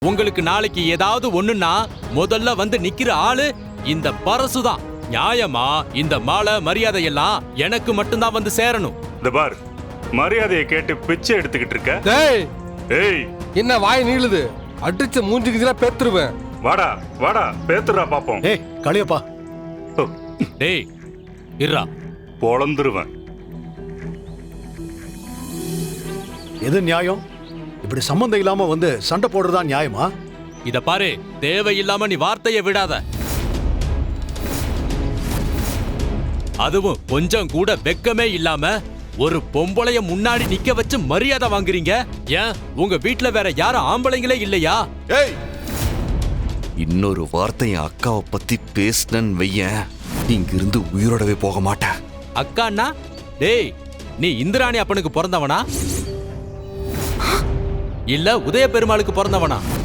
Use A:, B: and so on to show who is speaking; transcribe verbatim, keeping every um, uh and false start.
A: உங்களுக்கு நாளைக்கு ஏதாவது ஒண்ணுன்னா முதல்ல வந்து நிக்கிற ஆளு இந்த பரசுதான். நியாயமா இந்த மாலை மரியாதை எல்லாம் எனக்கு மட்டும்தான் வந்து சேரணும்.
B: இந்த பார், மரியாதையை கேட்டு பிச்சை எடுத்துக்கிட்டு இருக்க.
C: டேய்
B: ஏய்,
C: என்ன வாய் நீளுது? அடிச்ச மூஞ்சிக்கு பேத்துருவேன்.
B: வாடா வாடா, பேத்துறா பாப்போம்.
D: ஏய் காளியப்பா,
B: ஓ,
A: டேய் இருடா.
B: பொளந்துருவேன்.
D: எது நியாயம்? இப்படி சம்பந்தம் இல்லாம வந்து சண்டை போடுறதா நியாயமா?
A: இத பாரு, தேவையில்லாம நீ வார்த்தையை விடாத. அதுவும் கொஞ்சம் கூட வெக்கமே இல்லாம ஒரு பொம்பளைய முன்னாடி நிக்க வச்சு மரியாதை வாங்குறீங்க. ஏன் உங்க வீட்ல வேற யாரும் ஆம்பளைங்களே இல்லையா?
E: ஏய், இன்னொரு வார்த்தை என் அக்காவை பத்தி பேசினன்னு வையேன், இங்கிருந்து உயிரோடவே போக மாட்டேன்.
A: அக்கான்னா டேய், நீ இந்திராணி அப்பனுக்கு பிறந்தவனா இல்ல உதய பெருமாளுக்கு பிறந்தவனா?